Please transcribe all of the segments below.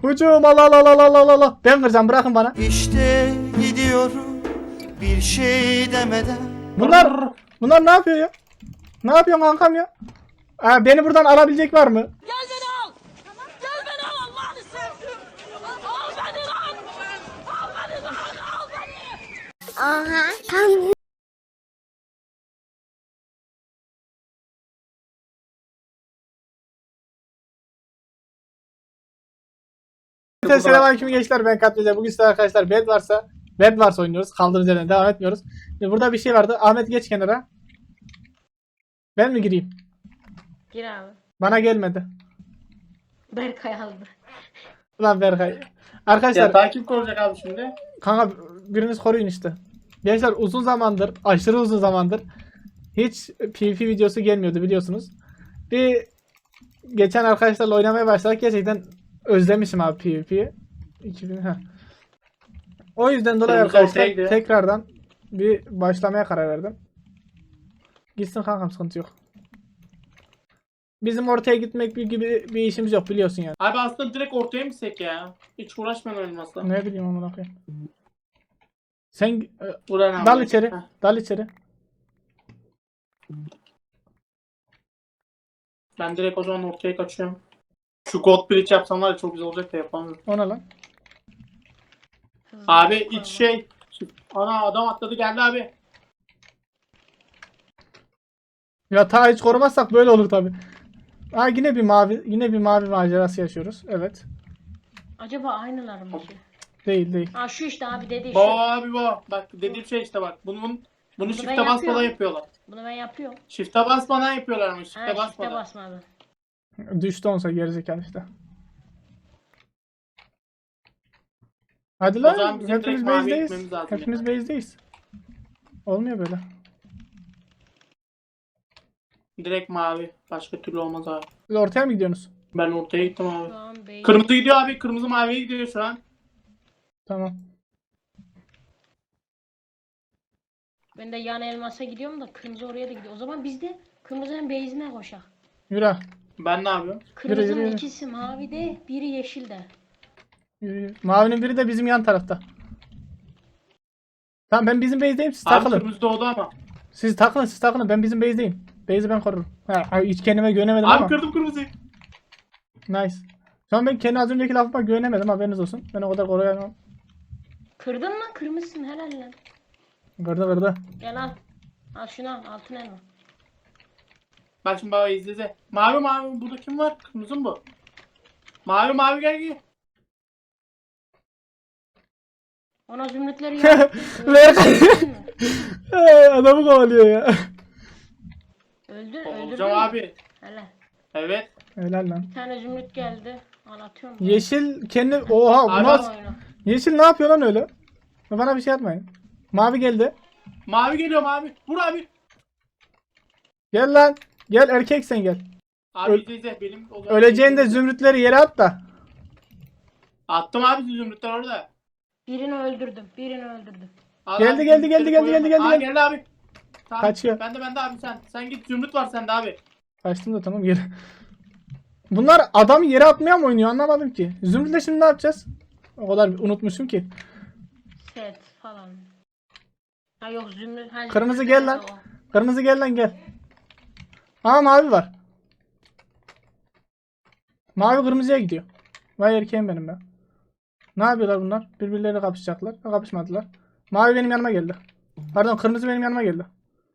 Hücum Allah Allah Allah Allah Allah. Ben kıracağım, bırakın bana. İşte gidiyorum bir şey demeden. Bunlar ne yapıyor ya? Ne yapıyorsun kankam ya? Beni buradan alabilecek var mı? Gel beni al. Gel beni al Allah'ını sevdim. Al beni lan. Al beni lan. Al beni. Aha. Selamünaleyküm gençler, ben Katlıca. Bugün size arkadaşlar Bedwars oynuyoruz. Kaldığımız yerden devam etmiyoruz. Şimdi burada bir şey vardı. Ahmet geç kenara. Ben mi gireyim? Gir abi. Bana gelmedi. Berkay aldı. Ulan Berkay. Arkadaşlar Ya takip olacak abi şimdi. kanka biriniz koruyun işte. Gençler uzun zamandır, aşırı uzun zamandır hiç PvP videosu gelmiyordu biliyorsunuz. Bir geçen arkadaşlarla oynamaya başladık. Gerçekten özlemişim abi PvP'yi. 2000 ha. O yüzden dolayı Kırmızı arkadaşlar ortaya gidiyor. tekrardan bir başlamaya karar verdim. Gitsin kankam, sıkıntı yok. Bizim ortaya gitmek gibi bir işimiz yok biliyorsun yani. Abi aslında direkt ortaya mı gitsek ya? Hiç uğraşmayalım olmazsa. Ne bileyim amına koyayım. Sen Ulan abi. dal içeri. Heh. Dal içeri. Ben direkt o zaman ortaya kaçıyorum. Şu God Bridge yapsam var ya çok güzel olacak da yapamıyorum. Ona lan. Abi iç şey. Ana adam atladı geldi abi. Ya ta hiç korumazsak böyle olur tabi. Yine bir mavi macerası yaşıyoruz. Evet. Acaba aynılar mı ki? Değil. Ha şu işte abi dediği şu. Abi bak dediğim şey işte bak. Bunu ben shift'e basmadan yapıyorum. yapıyorlar. Bunu ben yapıyorum. Shift'e basmadan yapıyorlar ama Ha shift'e işte basmadan. basmadı. Düştü onsa gerizekalı işte. Hadi O lan. zaman bizim Hepimiz direkt maviye base'deyiz. gitmemiz lazım Hepimiz ya. base'deyiz. Olmuyor böyle. Direkt mavi. Başka türlü olmaz abi. Siz ortaya mı gidiyorsunuz? Ben ortaya gittim abi. Şu an bey. Kırmızı gidiyor abi. Kırmızı maviye gidiyor şu an. Tamam. Ben de yan elmasa gidiyorum da kırmızı oraya da gidiyor. O zaman biz de kırmızının base'ine koşak. Yürü. Ben ne yapıyorum? Kırmızının yürü. ikisi mavide, biri yeşilde. Yürü. Mavinin biri de bizim yan tarafta. Tamam, ben bizim base'deyim, siz Abi takılın. kırmızı doğdu ama. Siz takılın, ben bizim base'deyim. Base'i ben korurum. Hiç kendime güvenemedim Abi ama. kırdım kırmızıyı. Nice. Şu an ben kendi az önceki lafıma güvenemedim, haberiniz olsun. Ben o kadar koruyamam. Kırdın mı? Kırmışsın helal lan. Kırdı. Gel al. Al şunu al. Altın elma. Bak şimdi baba izle. Mavi burada kim var? Kırmızı mı bu? Mavi gel. Ona zümrütleri yak. Ver. Öldürdün mü? Adamı kovalıyor ya. Öldürdün Olacağım mü? abi. Helal. Evet. Helal lan. Bir tane zümrüt geldi. Al atıyorum. Yeşil kendi... Oha bu Abi, nasıl... Oyunu. Yeşil ne yapıyor lan öyle? Bana bir şey yapmayın. Mavi geldi. Mavi geliyor mavi. Vur abi. Gel lan. Gel erkek sen gel. Abi izle. Benim o zaman- Öleceğinde zümrütleri yere at da. Attım abi zümrütler orada. Birini öldürdüm. Al Geldi, abi, geldi, zümrütleri geldi, koyuyorum. geldi. Aa geldi abi. Tamam. Kaçıyor. Ben de abi sen. Sen git zümrüt var sende abi. Kaçtım da tamam geri. Bunlar adamı yere atmaya mı oynuyor anlamadım ki. Zümrütle şimdi ne yapacağız? O kadar unutmuşum ki. Set falan. Ha yok zümrüt. Ha, Kırmızı zümrüt gel nerede lan. o? Kırmızı gel lan gel. Aa mavi var. Mavi kırmızıya gidiyor. Vay erkeğim benim ben. Ne yapıyorlar bunlar? Birbirleriyle kapışacaklar. Ha, kapışmadılar. Mavi benim yanıma geldi. Pardon, kırmızı benim yanıma geldi.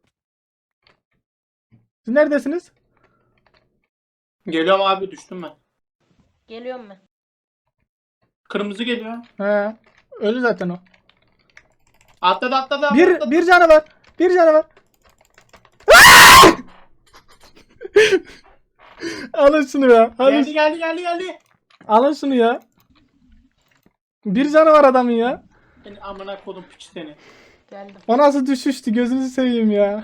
Siz neredesiniz? Geliyorum abi düştüm ben. Geliyorum ben. Kırmızı geliyor. He. Öldü zaten o. Atladı. Atladı. Bir canı var. Bir canı var. Alın şunu ya. Geldi. Alın şunu ya. Bir canı var adamın ya. Seni amına kodum piç seni. Geldim. O nasıl düşüştü, gözünüzü seveyim ya.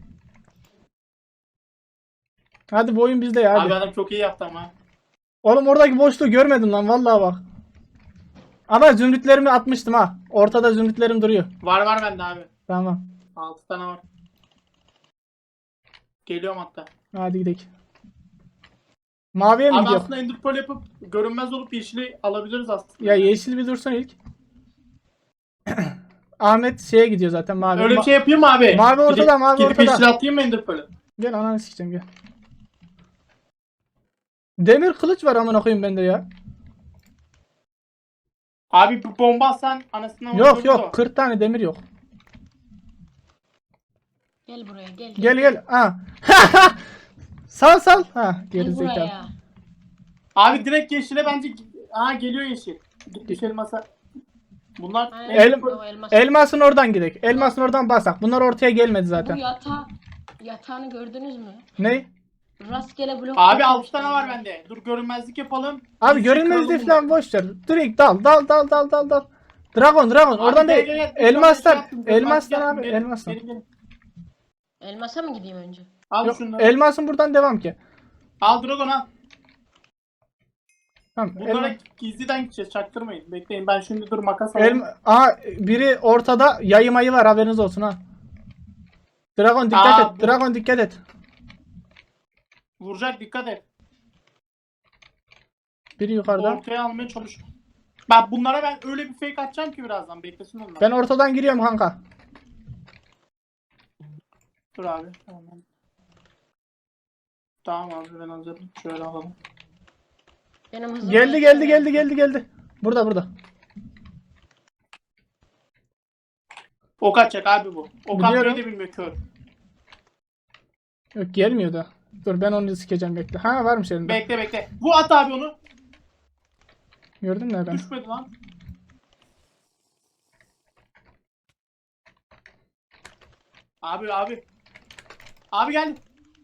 Hadi bu oyun bizde ya hadi. Abi adam çok iyi yaptı ama. Oğlum oradaki boşluğu görmedim lan vallahi bak. Ama zümrütlerimi atmıştım ha. Ortada zümrütlerim duruyor. Var bende abi. Tamam. 6 tane var. Geliyorum hatta. Hadi gidelim. Maviye mi Abi gidiyor? aslında ender pearl yapıp görünmez olup yeşili alabiliriz aslında. Ya yeşil bir dursun ilk. Ahmet şeye gidiyor zaten mavi. Öyle bir şey yapayım mı abi? Mavi ortada, Gidip- mavi gidip ortada. yeşil atayım mı ender pearl'ü? Gel ananı sikeceğim gel. Demir kılıç var amına koyayım bende ya. Abi bu bomba atsan anasından Yok vururdu yok o. 40 tane demir yok. Gel buraya gel. Gel gel. Ha. Sal sal. Ha geri Gel zekalı. buraya. Abi direkt yeşile bence... Aa geliyor yeşil. Git düşelim masa. Bunlar... Ha, El- o elmas. Elmasın oradan gidelim. Elmasın oradan basak. Bunlar ortaya gelmedi Bu zaten. yatağını gördünüz mü? Ne? Rastgele blok. Abi koymuşlar 6 tane var ya. bende. Dur görünmezlik yapalım. Abi Yeşil görünmezliği kıralım falan bunları. boş ver. Direkt dal dal dal dal dal dal. Dragon Abi oradan gel, değil. gel, gel. Elmaslar. Şey yaptım, görünmezlik Elmaslar yaptım. abi Gelin, elmaslar. gelin, gelin. Elmasa mı gideyim önce? Al Yok, şunları. elmasın buradan devam ki. Al Dragon al. Tamam. Bunlara gizliden gideceğiz. Çaktırmayın. Bekleyin ben şimdi dur makas alayım. Aha biri ortada yayı mayı var haberiniz olsun ha. Dragon dikkat Aa, et. Dragon dikkat et. Vuracak dikkat et. Biri yukarıda. Ortaya almaya çalış. Bak bunlara ben öyle bir fake atacağım ki birazdan. Beklesin onlar. Ben ortadan giriyorum kanka. Dur abi. Tamam. Tamam abi ben hazırım. Şöyle alalım. Benim hızım Geldi. Burada. Ok atacak abi bu. Ok Biliyorum. atmayı da bilmiyor kör. Yok gelmiyor da. Dur ben onu sikeceğim bekle. Ha varmış elinde. Bekle. Bu at abi onu. Gördün mü ben? Düşmedi lan. Abi. Abi geldi.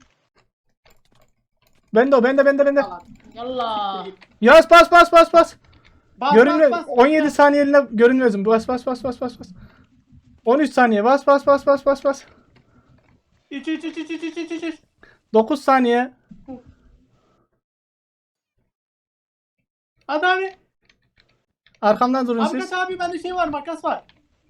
Bende o bende. Al abi. Yallah. Yaz bas. Bas, Görünmez. bas. 17 saniyeliğine görünmezim. Bas. 13 saniye bas. İç. 9 saniye. Hadi abi. Arkamdan durun Abi siz. kaç abi bende şey var makas var.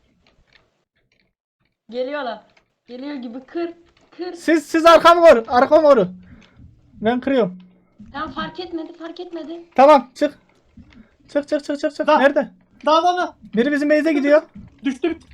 Geliyorlar. Geliyor gibi kır. Siz arkamı koru. Arkamı koru. Ben kırıyorum. Tamam fark etmedi. Tamam çık. Çık. Da. Nerede? Da. Biri bizim base'e gidiyor. Düştü bir.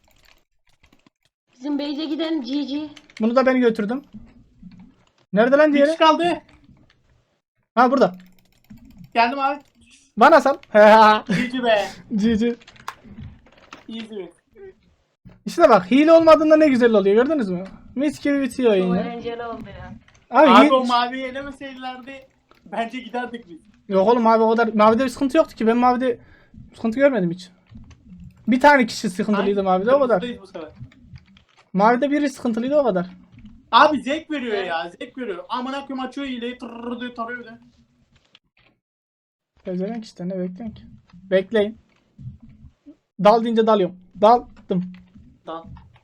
Bizim base'e giden GG. Bunu da ben götürdüm. Nerede lan Bir diğeri? kişi kaldı. Ha burada. Geldim abi. Bana sal. GG be. GG. Easy be. İşte bak hile olmadığında ne güzel oluyor gördünüz mü? Mis gibi bitiyor Çok oyun ya. eğlenceli oldu ya. Abi, Abi o maviyi elemeseydilerdi bence giderdik biz. Yok oğlum abi o kadar mavide bir sıkıntı yoktu ki ben mavide sıkıntı görmedim hiç. Bir tane kişi sıkıntılıydı mavide o kadar. Kırmızıdayız bu sefer. Mavide biri sıkıntılıydı o kadar. Abi zevk veriyor ya zevk veriyor. Amına koyayım açıyor hileyi tırrrr diye tarıyor de. Pezevenk işte ne bekleyin ki. Bekleyin. Dal deyince dalıyorum. Daldım. Tamam.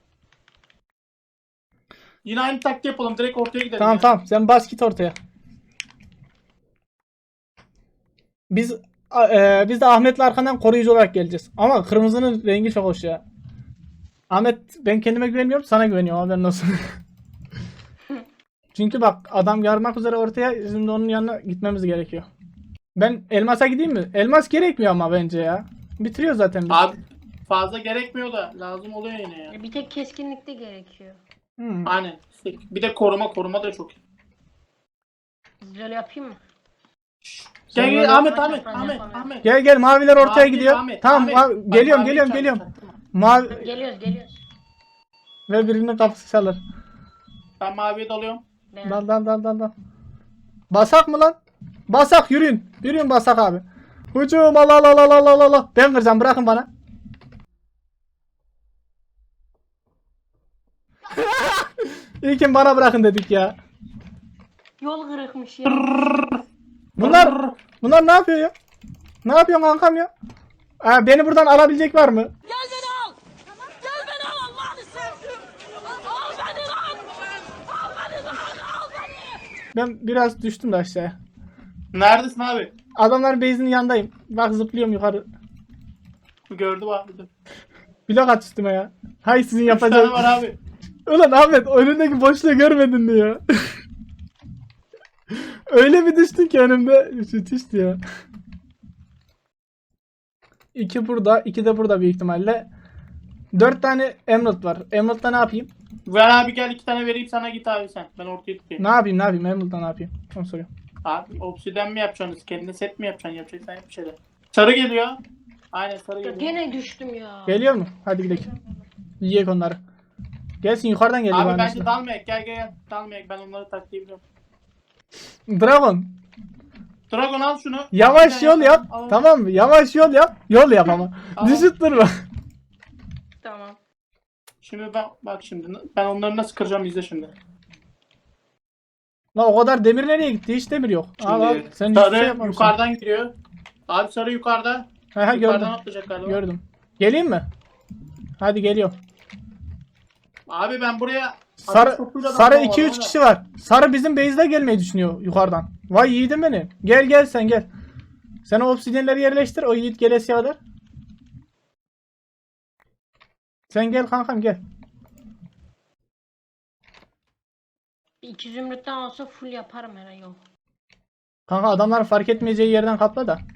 Yine aynı taktiği yapalım direkt ortaya gidelim. Tamam ya. tamam sen bas git ortaya. Biz de Ahmet'le arkandan koruyucu olarak geleceğiz. Ama kırmızının rengi çok hoş ya. Ahmet ben kendime güvenmiyorum sana güveniyorum haberin olsun. Çünkü bak adam yarmak üzere ortaya şimdi onun yanına gitmemiz gerekiyor. Ben elmasa gideyim mi? Elmas gerekmiyor ama bence ya. Bitiriyor zaten biz. Abi fazla gerekmiyor da lazım oluyor yine ya. Bir tek keskinlikte gerekiyor. Aynen. Bir de koruma da çok iyi. Böyle yapayım mı? Sen böyle- Gel Ahmet. Gel maviler ortaya Mavi, gidiyor. Ahmet, Tamam Ahmet. mavi- Bak, geliyorum mavi geliyorum çarptı, geliyorum. çaktırma. Mavi Geliyoruz. ve birinin kapısı çalır. Ben maviye dalıyorum. Ben... Dal. Basak mı lan? Basak yürüyün. Yürüyün basak abi. Hücum Allah. Ben kıracağım bırakın bana. İlkin bana bırakın dedik ya. Yol kırıkmış ya. Bunlar ne yapıyor ya? Ne yapıyorsun kankam ya? Beni buradan alabilecek var mı? Gel beni al. Gel beni al Allah'ını sevdim. Al beni lan. Al beni. Ben biraz düştüm de aşağıya. Neredesin abi? Adamların base'inin yanındayım. Bak zıplıyorum yukarı. Gördüm abi. Blok at üstüme ya. Hay sizin 3 tane yapacağınız. var abi. Ulan Ahmet önündeki boşluğu görmedin mi ya? Öyle bir düştün ki önümde. Müthişti ya. 2 burada, 2 de burada büyük ihtimalle. 4 tane emerald var. Emerald'da ne yapayım? Ver abi gel 2 tane vereyim sana git abi sen. Ben ortaya tutayım. Ne yapayım? Emerald'da ne yapayım? Onu soruyorum. Abi obsiden mi yapacaksınız? Kendine set mi yapacaksın? Yapacaksan yap bir şeyler. Sarı geliyor. Aynen sarı Ya geliyor. gene düştüm ya. Geliyor mu? Hadi gidelim. Yiyek onları. Gelsin yukarıdan geliyor. Abi bana bence işte. dalmayak gel. Dalmayak ben onları taklayabiliyorum. Dragon. Dragon al şunu. Yavaş Bir tane yol yap. al. Tamam mı? Yavaş yol yap. Yol yap ama. Tamam. Düşüp durma. Tamam. Şimdi bak şimdi ben onları nasıl kıracağım izle şimdi. Lan o kadar demir nereye gitti? Hiç demir yok. Şimdi Al al. Sen hiçbir sarı şey yapmamışsın. yukarıdan giriyor. Abi sarı yukarıda. He Yukarıdan gördüm. atlayacak galiba. Gördüm. Geleyim mi? Hadi geliyorum. Abi ben buraya Sarı ateş topuyla sarı dalmam 2-3 ama. kişi var. Sarı bizim base'de gelmeyi düşünüyor yukarıdan. Vay yiğidim benim. Gel sen gel. Sen o obsidyenleri yerleştir. O yiğit gelesiye kadar. Sen gel kankam gel. Bir 2 zümrütten olsa full yaparım her yol. Kanka adamların fark etmeyeceği yerden kapla da.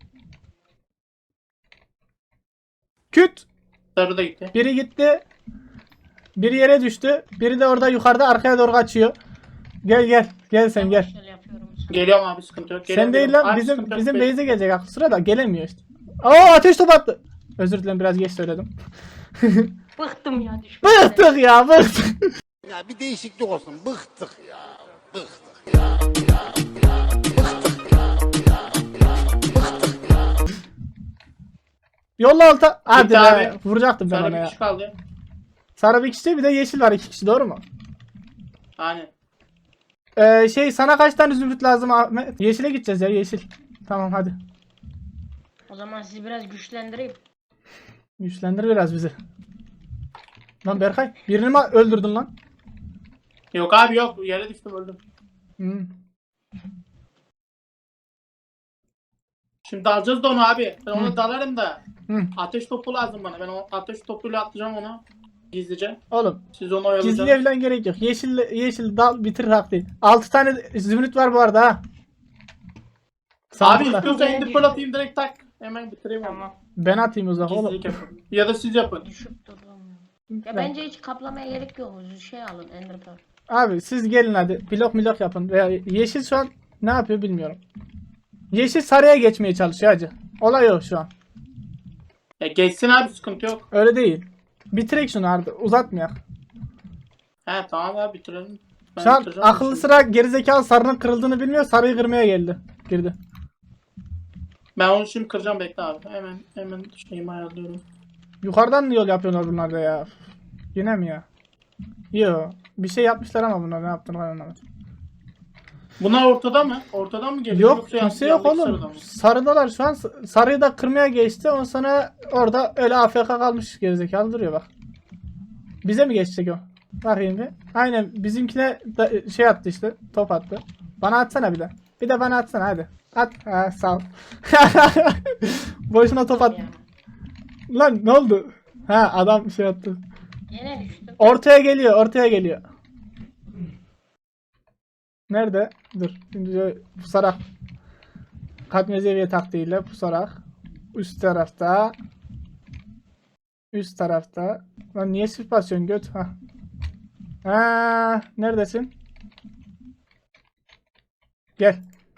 Küt. Sarı da gitti. Biri gitti. Biri yere düştü. Biri de orada yukarıda arkaya doğru kaçıyor. Gel gel. Gel sen gel. Yavaş yol yapıyorum sana. Geliyorum abi sıkıntı yok. Sen Geliyorum, değil geliyorum. lan. Abi, Bizim sıkıntı yok, bizim bekle. base'e gelecek aklı sıra da gelemiyor işte. Aa ateş topu attı. Özür dilerim biraz geç söyledim. Bıktım ya düşmekten. Bıktık ya bıktık. Ya bir değişiklik olsun. Bıktık ya. Bıktık. Yolla alta. Hadi be. abi. Vuracaktım ben Sarı ona bir ya. kişi kaldı. Sarı bir kişi bir de yeşil var 2 kişi doğru mu? Aynen. Sana kaç tane zümrüt lazım Ahmet? Yeşile gideceğiz ya yeşil. Tamam hadi. O zaman sizi biraz güçlendireyim. Güçlendir biraz bizi. Lan Berkay birini mi öldürdün lan? Yok abi yok. Yere düştüm öldüm. Hmm. Şimdi dalacağız da onu abi. Ben onu Hı. dalarım da. Hı. Ateş topu lazım bana. Ben o ateş topuyla atlayacağım onu. Gizlice. Oğlum Siz onu oyalayacaksınız. gizliye falan gerek yok. Yeşil dal bitir hak değil. 6 tane zümrüt var bu arada ha. Abi Sandıkta. istiyorsan Gene indir düştü. fırlatayım direkt tak. Hemen bitireyim onu. Tamam. Ben atayım o zaman oğlum. Gizlilik yapın. Ya da siz yapın. Düşüp durdum. Ya bence hiç kaplamaya gerek yok. Şey alın Ender Pearl. Abi siz gelin hadi. Blok yapın. Veya yeşil şu an ne yapıyor bilmiyorum. Yeşil sarıya geçmeye çalışıyor hacı. Olay o şu an. Ya geçsin abi sıkıntı yok. Öyle değil. Bitirek şunu artık. Uzatmayak. He tamam abi bitirelim. Ben Şu an bitireceğim akıllı şimdi. sıra gerizekalı sarının kırıldığını bilmiyor. Sarıyı kırmaya geldi. Girdi. Ben onu şimdi kıracağım bekle abi. Hemen şeyimi ayarlıyorum. Yukarıdan yol yapıyorlar bunlar da ya. Yine mi ya? Yo. Bir şey yapmışlar ama bunlar ne yaptığını ben anlamadım. Bunlar ortada mı? Ortadan mı geliyor? Yok Yoksa kimse yok yandaki oğlum. sırada mı? Sarıdalar şu an. Sarıyı da kırmaya geçti. Ondan sonra orada öyle AFK kalmış gerizekalı duruyor bak. Bize mi geçecek o? Bakayım bir. Aynen bizimkine da şey attı işte. Top attı. Bana atsana bir de. Bir de bana atsana hadi. At. Ha, sağ ol. Boşuna top at. Ya. Lan ne oldu? Ha adam şey attı. Yine düştüm. Ortaya geliyor. Nerede? Dur. Şimdi şöyle pusarak. Katmer seviye taktiğiyle pusarak. Üst tarafta. Lan niye sırf basıyorsun göt? Ha, neredesin? Gel.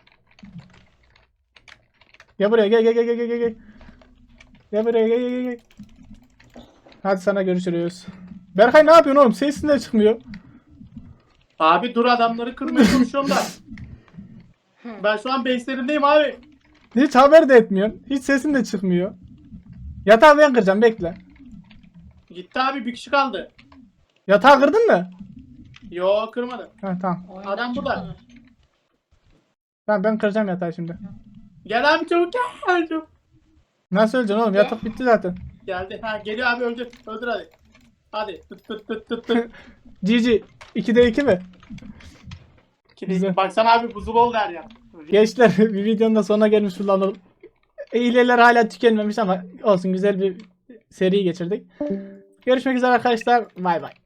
Gel buraya gel. Gel buraya gel. Hadi sana görüşürüz. Berkay ne yapıyorsun oğlum? Sesin de çıkmıyor. Abi dur adamları kırmaya çalışıyorum da. Ben şu an base'lerindeyim abi. Hiç haber de etmiyorsun. Hiç sesin de çıkmıyor. Yatağı ben kıracağım bekle. Gitti abi bir kişi kaldı. Yatağı kırdın mı? Yo kırmadım. Ha tamam. Oyundan Adam burada. çıkmadı. Tamam ben kıracağım yatağı şimdi. Gel abi çabuk gel. Çabuk. Nasıl öleceksin oğlum? Yatak bitti zaten. Geldi. Ha geliyor abi öldür. Öldür hadi. Hadi. Tut. GG. 2'de 2 mi? Güzel. Baksana abi buzul oldu her yer. Gençler bir videonun da sonuna gelmiş bulunalım. Hileler hala tükenmemiş ama olsun güzel bir seri geçirdik. Görüşmek üzere arkadaşlar. Bay bay.